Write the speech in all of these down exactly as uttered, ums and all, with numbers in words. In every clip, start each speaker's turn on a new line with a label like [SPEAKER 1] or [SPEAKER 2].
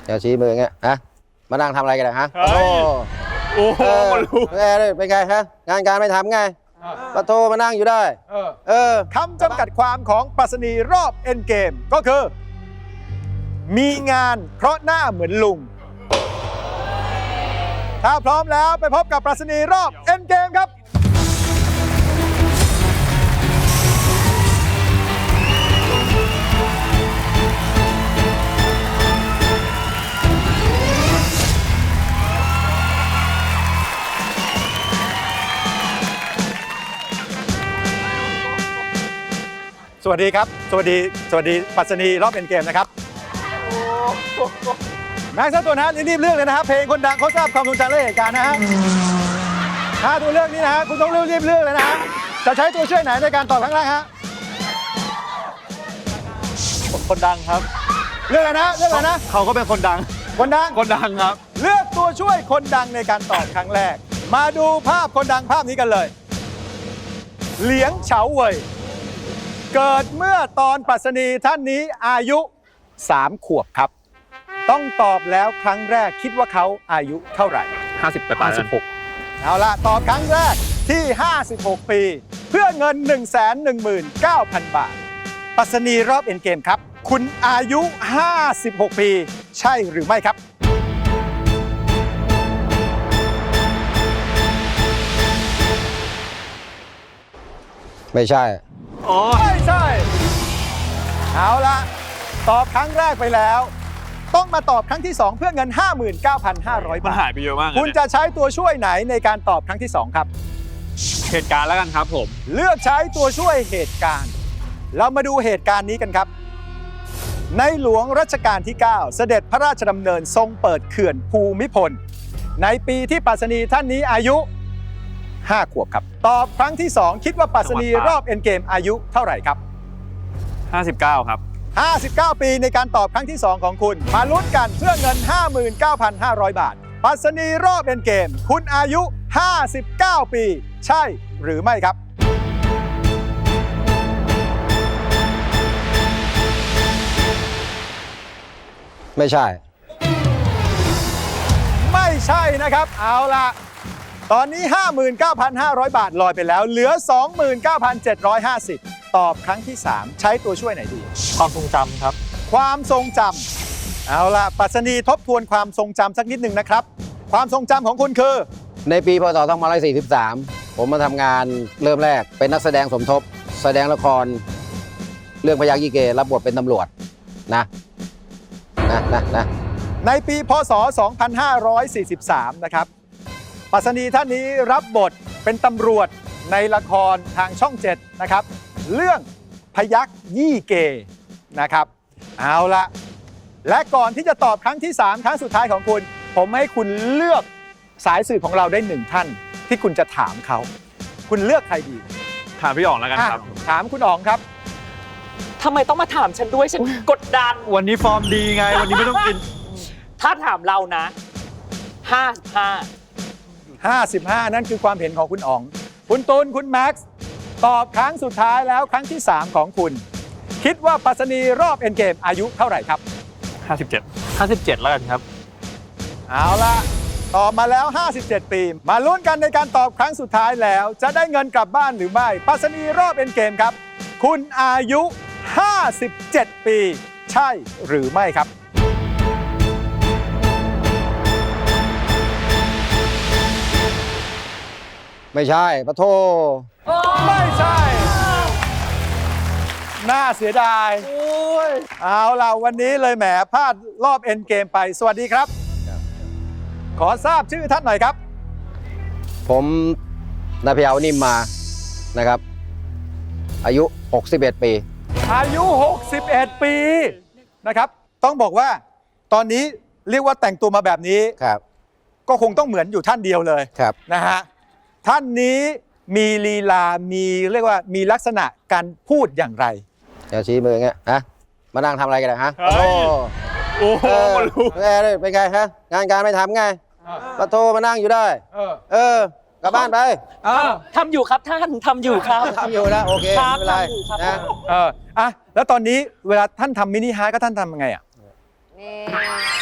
[SPEAKER 1] เดี๋ยวชี้มืออย่างเงี้ยฮะมานั่งทำอะไรกันนะฮะโอ้
[SPEAKER 2] โอ้โห
[SPEAKER 1] เป็นไงเป็นไงฮะงานการไม่ทำไงปะโทมานั่งอยู่ได้เออ
[SPEAKER 3] คำจำกัดความของปรัชนีรอบเอ็นเกมก็คือ มีงานเพราะหน้าเหมือนลุง ถ้าพร้อมแล้วไปพบกับปรัชนีรอบเอ็นเกมครับสวัสดีครับสวัสดีสวัสดีปรัชนีรอบเอ็นเกมนะครับแม็กซ์ตัวนะรีบเลือกเลยนะฮะเพลงคนดังเขาทราบความทรงจำและเหตุการณ์นะฮะถ้าตัวเลือกนี้นะฮะคุณต้องรีบรีบเลือกเลยนะฮะจะใช้ตัวช่วยไหนในการตอบครั้งแรกฮะ
[SPEAKER 2] คนดังครับ
[SPEAKER 3] เลือกเลยนะเลือกเลยนะ
[SPEAKER 2] เขาก็เป็นคนดัง
[SPEAKER 3] คนดัง
[SPEAKER 2] คนดังครับ
[SPEAKER 3] เลือกตัวช่วยคนดังในการตอบครั้งแรกมาดูภาพคนดังภาพนี้กันเลยเหลียงเฉาเว่ยเกิดเมื่อตอนปรัชนีท่านนี้อายุสามขวบครับต้องตอบแล้วครั้งแรกคิดว่าเขาอายุเท่าไหร่
[SPEAKER 2] ห้าสิบไปปลายสิบหก
[SPEAKER 3] เอาละตอบครั้งแรกที่ห้าสิบหกปีเพื่อเงิน หนึ่งแสนหนึ่งหมื่นเก้าพัน บาทปรัชนีรอบเอ็นเกมครับคุณอายุห้าสิบหกปีใช่หรือไม่ครับ
[SPEAKER 1] ไม่ใช่
[SPEAKER 3] ไม่ใช่เอาละตอบครั้งแรกไปแล้วต้องมาตอบครั้งที่สองเพื่อเงิน ห้าหมื่นเก้าพันห้าร้อย บาท
[SPEAKER 2] มันหายไปเยอะมาก
[SPEAKER 3] คุณจะใช้ตัวช่วยไหนในการตอบครั้งที่สองครับ
[SPEAKER 2] เหตุการณ์แล้วกันครับผม
[SPEAKER 3] เลือกใช้ตัวช่วยเหตุการณ์เรามาดูเหตุการณ์นี้กันครับในหลวงรัชกาลที่เก้าเสด็จพระราชดำเนินทรงเปิดเขื่อนภูมิพลในปีที่ปรัชนีท่านนี้อายุห้าขวบครับตอบครั้งที่สองคิดว่าปรัชนีรอบเอ็นเกมอายุเท่าไหร่ครับ
[SPEAKER 2] ห้าสิบเก้าครับ
[SPEAKER 3] ห้าสิบเก้าปีในการตอบครั้งที่สองของคุณมาลุ้นกันเพื่อเงิน ห้าหมื่นเก้าพันห้าร้อย บาทปรัชนีรอบเอ็นเกมคุณอายุห้าสิบเก้าปีใช่หรือไม่ครับ
[SPEAKER 1] ไม่ใช่
[SPEAKER 3] ไม่ใช่นะครับเอาล่ะตอนนี้ ห้าหมื่นเก้าพันห้าร้อย บาทลอยไปแล้วเหลือ สองหมื่นเก้าพันเจ็ดร้อยห้าสิบ ตอบครั้งที่สามใช้ตัวช่วยไหนดี
[SPEAKER 2] ความทรงจำครับ
[SPEAKER 3] ความทรงจำเอาล่ะปรัชนีทบทวนความทรงจำสักนิดหนึ่งนะครับความทรงจำของคุณคือ
[SPEAKER 1] ในปีพ.ศ. สองพันห้าร้อยสี่สิบสามผมมาทำงานเริ่มแรกเป็นนักแสดงสมทบแสดงละครเรื่องพยัคฆ์ยี่เกรับบทเป็นตำรวจนะนะนะนะ
[SPEAKER 3] ในปีพ.ศ. สองพันห้าร้อยสี่สิบสามนะครับปรัชนีท่านนี้รับบทเป็นตำรวจในละครทางช่องเจ็ดนะครับเรื่องพยัคฆ์ยี่เกนะครับเอาละและก่อนที่จะตอบครั้งที่สามครั้งสุดท้ายของคุณผมให้คุณเลือกสายสืบของเราได้หนึ่งท่านที่คุณจะถามเขาคุณเลือกใครดี
[SPEAKER 2] ถามพี่อ๋องแล้วกันครับ
[SPEAKER 3] ถามคุณอ๋องครับ
[SPEAKER 4] ทำไมต้องมาถามฉันด้วยฉันกดดัน
[SPEAKER 2] วันนี้ฟอร์มดีไงวันนี้ไม่ต้องกิน
[SPEAKER 4] ถ้าถามเรานะห้าสิบห้า
[SPEAKER 3] ห้าสิบห้านั่นคือความเห็นของคุณอ๋องคุณตูนคุณแม็กซ์ตอบครั้งสุดท้ายแล้วครั้งที่สามของคุณคิดว่าปรัชนีรอบเอ็นเกมอายุเท่าไหร่ครับ
[SPEAKER 2] ห้าสิบเจ็ด ห้าสิบเจ็ดแล้วกันครับ
[SPEAKER 3] เอาล่ะตอบมาแล้วห้าสิบเจ็ดปีมาลุ้นกันในการตอบครั้งสุดท้ายแล้วจะได้เงินกลับบ้านหรือไม่ปรัชนีรอบเอ็นเกมครับคุณอายุห้าสิบเจ็ดปีใช่หรือไม่ครับ
[SPEAKER 1] ไม่ใช่ปะโท
[SPEAKER 3] ไม่ใช่น่าเสียดายเอาล่ะวันนี้เลยแหมพลาดรอบเอ็นเกมไปสวัสดีครับขอทราบชื่อท่านหน่อยครับ
[SPEAKER 1] ผมนายพยาวนิ่มมานะครับอายุหกสิบเอ็ดปี
[SPEAKER 3] อายุหกสิบเอ็ดปีนะครับต้องบอกว่าตอนนี้เรียกว่าแต่งตัวมาแบบนี้
[SPEAKER 1] ครับ
[SPEAKER 3] ก็คงต้องเหมือนอยู่ท่านเดียวเลย
[SPEAKER 1] ครับ
[SPEAKER 3] นะฮะท่านนี้มีลีลามีเรียกว่ามีลักษณะการพูดอย่างไร
[SPEAKER 1] เดี๋ยวชี้มืออย่างเงี้ยฮะมานั่งทำอะไรกันนะฮะ
[SPEAKER 2] โอ้โอ้โห
[SPEAKER 1] เป็นไงฮะงานการไม่ทำไงปะโทมานั่งอยู่ได้เออกลับบ้านไป
[SPEAKER 4] ทำอยู่ครับท่านทำอยู่ครับ
[SPEAKER 1] ทำอยู่นะโอเคไม่เป็นไรนะ
[SPEAKER 3] เอออ่ะแล้วตอนนี้เวลาท่านทำมินิฮาร์ทก็ท่านทำยังไงอ่ะ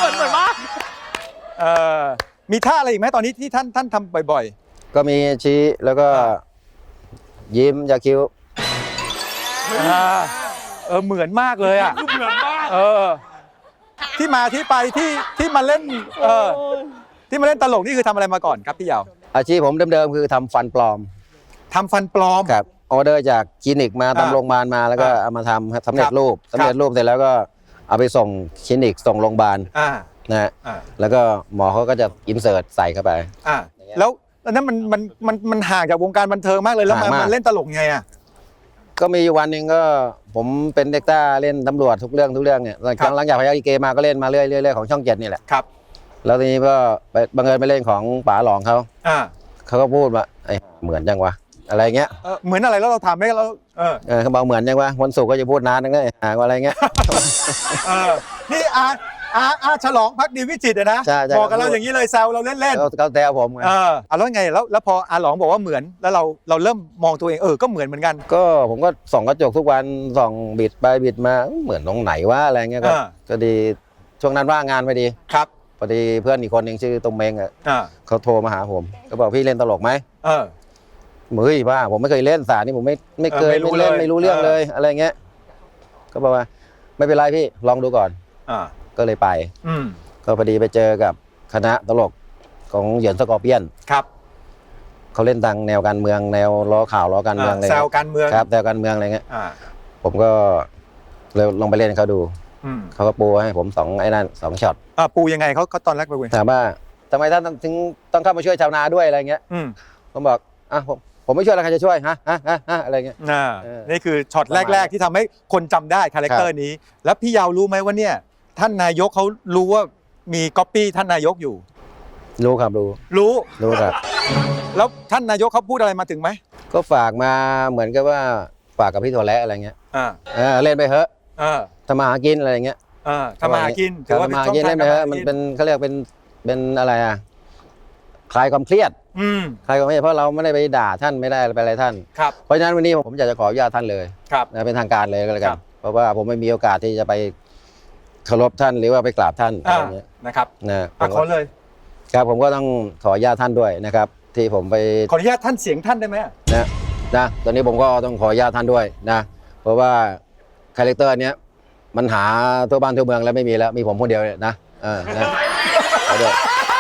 [SPEAKER 4] อนเหมือนมาก
[SPEAKER 3] เอ่อมีท่าอะไรอีกไหมตอนนี้ที่ท่านท่านทำบ่อย
[SPEAKER 1] ก็มีชี้แล้วก็ยิ้มยาคิ้ว
[SPEAKER 3] ๆอ่าเออเหมือนมากเลยอ่ะ
[SPEAKER 2] เหมือนมาก
[SPEAKER 3] เออที่มาที่ไปที่ที่มาเล่นเออที่มาเล่นตลกนี่คือทำอะไรมาก่อนครับพี่ยาว
[SPEAKER 1] อาชีพผมเดิมๆคือทำฟันปลอม
[SPEAKER 3] ทำฟันปลอม
[SPEAKER 1] ครับออเดอร์จากคลินิกมา
[SPEAKER 3] อ่า
[SPEAKER 1] ตามโรงพยาบาลมาแล้วก็
[SPEAKER 3] อ่า
[SPEAKER 1] เอามาทำครับสำเร็
[SPEAKER 3] ค
[SPEAKER 1] จ
[SPEAKER 3] รับ
[SPEAKER 1] รูปสำเร็จรูปเสร็จแล้วก็เอาไปส่งคลินิกส่งโรงพยาบาล
[SPEAKER 3] อ่า
[SPEAKER 1] นะฮะ
[SPEAKER 3] อ่า
[SPEAKER 1] แล้วก็หมอเขาก็จะอินเสิร์ตใส่เข้าไป
[SPEAKER 3] อ่าแล้วแล้วนั้นมันมันมันมันห่างจากวงการบันเทิงมากเลยแล้วมัน
[SPEAKER 1] ห่างมาก
[SPEAKER 3] มันเล่นตลกไงอ่ะ
[SPEAKER 1] ก็มีอยู่วันหนึ่งก็ผมเป็นเด็กต้าเล่นตำรวจทุกเรื่องทุกเรื่องเนี่ยหลัง
[SPEAKER 3] ครั
[SPEAKER 1] จาก
[SPEAKER 3] บ
[SPEAKER 1] หลังจากพยัคฆ์อีเกมาก็เล่นมาเรื่อยๆเรื่อยๆของช่องเจ็ดนี่แหละ
[SPEAKER 3] ครับ
[SPEAKER 1] แล้วทีนี้ก็ไปบังเอิญไปเล่นของป๋าหลองเขา
[SPEAKER 3] อ่า
[SPEAKER 1] เขาก็พูดว่าไอ้เหมือนจังวะอะไรเงี้ย
[SPEAKER 3] เออเหมือนอะไรแล้วเราทำไหมเราเออ
[SPEAKER 1] เออเขาบอกเหมือนจังวะวันศุกร์ก็จะพูดนานนังเลยหาว่าอะไรเงี้ย
[SPEAKER 3] เออนี่อาอาอาฉลองพักดีวิจิตรอะนะ
[SPEAKER 1] ใช่ใช่
[SPEAKER 3] บอกกับเราอย่างนี้เลยแซวเราเล่น
[SPEAKER 1] เขาเขาแซวผมไง
[SPEAKER 3] ๆเออเอาแล้วไงแล้วแล้วพออาหลองบอกว่าเหมือนแล้วเราเราเริ่มมองตัวเองเออก็เหมือนเหมือนกัน
[SPEAKER 1] ก็ผมก็ส่องกระจกทุกวันส่องบิดไปบิดมาเหมือนตรงไหนวะอะไรเงี้ยก็
[SPEAKER 3] อ่า
[SPEAKER 1] ก็ดีช่วงนั้นว่างงานพอดี
[SPEAKER 3] ครับ
[SPEAKER 1] พอดีเพื่อนอีกคนหนึ่งชื่อตรงเมงอ่ะ
[SPEAKER 3] อ่า
[SPEAKER 1] เขาโทรมาหาผมก็บอกพี่เล่นตลกไหม
[SPEAKER 3] เออ
[SPEAKER 1] เฮ้ยบ้าผมไม่เคยเล่นสารนี่ผมไม่ไม่เคย
[SPEAKER 3] เออไม่รู้
[SPEAKER 1] ไม่เล่น
[SPEAKER 3] เลย
[SPEAKER 1] ไม่รู้เรื่อง
[SPEAKER 3] เออ
[SPEAKER 1] เลยอะไรเงี้ยก็บอกว่าไม่เป็นไรพี่ลองดูก่อน
[SPEAKER 3] อ่า
[SPEAKER 1] ก็เลยไป
[SPEAKER 3] อืม
[SPEAKER 1] ก็พอดีไปเจอกับคณะตลกของเหยินสกอร์เปียน
[SPEAKER 3] ครับ
[SPEAKER 1] เขาเล่นทางแนวการเมืองแนวล้อข่าวล้อการเมืองอะไร
[SPEAKER 3] แซว
[SPEAKER 1] เงี้ย
[SPEAKER 3] การเมือง
[SPEAKER 1] ครับแนวการเมืองอะไรเงี้ย
[SPEAKER 3] อ่า
[SPEAKER 1] ผมก็เลยลองไปเล่นให้เขาดู
[SPEAKER 3] อืม
[SPEAKER 1] เขาก็ปูให้ผมสองไอ้นั่นสองช็อต
[SPEAKER 3] อ่าปูยังไงเขาเขาตอนแรกไปเว้ย
[SPEAKER 1] ถามว่าทำไมท่านถึงต้องเข้ามาช่วยชาวนาด้วยอะไรเงี้ย
[SPEAKER 3] อืม
[SPEAKER 1] ผมบอกอ่ะผมผมไม่ช่วยแล้วใครจะช่วยฮะฮะฮะฮะอะไรเงี้ย
[SPEAKER 3] อ่า
[SPEAKER 1] เออ
[SPEAKER 3] นี่คือช็อต
[SPEAKER 1] ประมาณ
[SPEAKER 3] แรก ๆ ที่ทำให้คนจำได้คาแรคเตอร์นี้ แล้วพี่ยาวรู้ไหมว่าเนี่ยท่านนายกเขารู้ว่ามีก๊อปปี้ท่านนายกอยู่
[SPEAKER 1] รู้ครับรู้
[SPEAKER 3] รู้
[SPEAKER 1] รู้ครับ
[SPEAKER 3] แล้วท่านนายกเขาพูดอะไรมาถึงไหม
[SPEAKER 1] ก็ฝากมาเหมือนกับว่าฝากกับพี่ถั่วแระอะไรเงี้ย
[SPEAKER 3] อ่า
[SPEAKER 1] เออเล่นไปเถอะ
[SPEAKER 3] อ่า
[SPEAKER 1] ทำมาหากินอะไรเงี้ย
[SPEAKER 3] อ่าทำมาหากิน
[SPEAKER 1] ถือว่าทำมาหากินเล่นไปเถอะมันเป็นเขาเรียกเป็นเป็นอะไรอ่ะคลายความเครียด
[SPEAKER 3] อืม
[SPEAKER 1] คลายความเครียดเพราะเราไม่ได้ไปด่าท่านไม่ได้ไปอะไรท่าน
[SPEAKER 3] ครับ
[SPEAKER 1] เพราะฉะนั้นวันนี้ผมอยากจะขออนุญาตท่านเลย
[SPEAKER 3] ครับ
[SPEAKER 1] นะเป็นทางการเลยก็แล้วกั
[SPEAKER 3] ครั
[SPEAKER 1] น
[SPEAKER 3] บ
[SPEAKER 1] เพราะว่าผมไม่มีโอกาสที่จะไปเคารพท่านหรือว่าไปกราบท่านอะ
[SPEAKER 3] อ่า
[SPEAKER 1] ไรเงี้ย
[SPEAKER 3] นะครับ
[SPEAKER 1] นะผ
[SPEAKER 3] อ่ะ
[SPEAKER 1] ม
[SPEAKER 3] ขอ
[SPEAKER 1] ก็
[SPEAKER 3] เลย
[SPEAKER 1] ครับผมก็ต้องขออนุญาตท่านด้วยนะครับ ที่ผมไป
[SPEAKER 3] ขออนุญาตท่านเสียงท่านได้ไหม
[SPEAKER 1] นะนะตอนนี้ผมก็ต้องขออนุญาตท่านด้วยนะ เพราะว่าคาแรคเตอร์เนี้ยมันหาทั่วบ้านทั่วเมืองแล้วไม่มีแล้วมีผมคนเดียวเนี่ยนะเออนะขอด้วย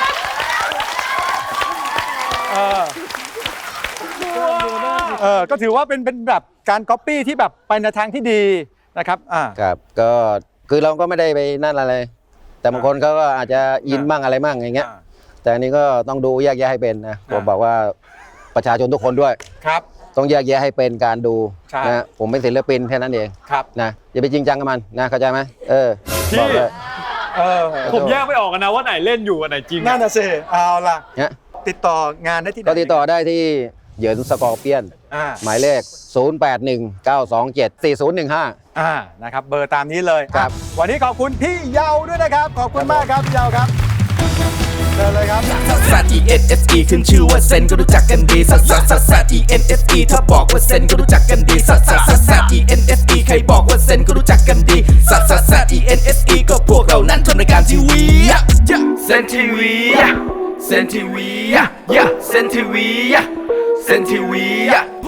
[SPEAKER 3] เออเออก็ถือว่าเป็นเป็นแบบการก๊อปปี้ที่แบบไปในทางที่ดีนะครับอ่า
[SPEAKER 1] ครับก็คือเราก็ไม่ได้ไปนั่นอะไร แต่บางคนเขาก็อาจจะอิน
[SPEAKER 3] อ่า
[SPEAKER 1] มั่งอะไรมั่งอย่างเงี้ย
[SPEAKER 3] อ่า
[SPEAKER 1] แต่อันนี้ก็ต้องดูแยกแยะให้เป็นนะผม
[SPEAKER 3] อ่า
[SPEAKER 1] บอกว่าประชาชนทุกคนด้วย
[SPEAKER 3] ครับ
[SPEAKER 1] ต้องแยกแยะให้เป็นการดู
[SPEAKER 3] ใช่
[SPEAKER 1] นะผมเป็นศิลปินแค่นั้นเอง
[SPEAKER 3] ครับ
[SPEAKER 1] นะอย่าไปจริงจังกับมันนะเข้าใจไหมเออ
[SPEAKER 2] พี่
[SPEAKER 1] บอกเลย
[SPEAKER 3] เออ
[SPEAKER 2] ผมแยกไม่ออกกันนะว่าไหนเล่นอยู่อันไหนจริง
[SPEAKER 3] นั่น
[SPEAKER 2] อะ
[SPEAKER 3] น่ะสิเอาล่ะ
[SPEAKER 1] เนี่ย
[SPEAKER 3] ติดต่องานได้ที่ไหน
[SPEAKER 1] ก็ติดต่อได้ที่เหยินสกอร์เปียน
[SPEAKER 3] อ่า
[SPEAKER 1] หมายเลข ศูนย์ แปด หนึ่ง เก้า สอง เจ็ด สี่ ศูนย์ หนึ่ง ห้า
[SPEAKER 3] อ่านะครับเบอร์ตามนี้เลย
[SPEAKER 1] ครับ
[SPEAKER 3] อ่ะวันนี้ขอบคุณพี่เยาด้วยนะครับ ขอบคุณมากครับพี่เยาครับเชิญเลยครับ
[SPEAKER 5] ซัสซัส E N S E ขึ้นชื่อว่าเซนก็รู้จักกันดีซัสซัสซัสซัส E N S E ถ้าบอกว่าเซนก็รู้จักกันดีซัสซัสซัสซัส E N S E ใครบอกว่าเซนก็รู้จักกันดีซัสซัสซัส E N S E ก็พวกเรานั้นทำรายการทีวีเซนทีวีเซนทีวีเซนทีวีเซนทีวี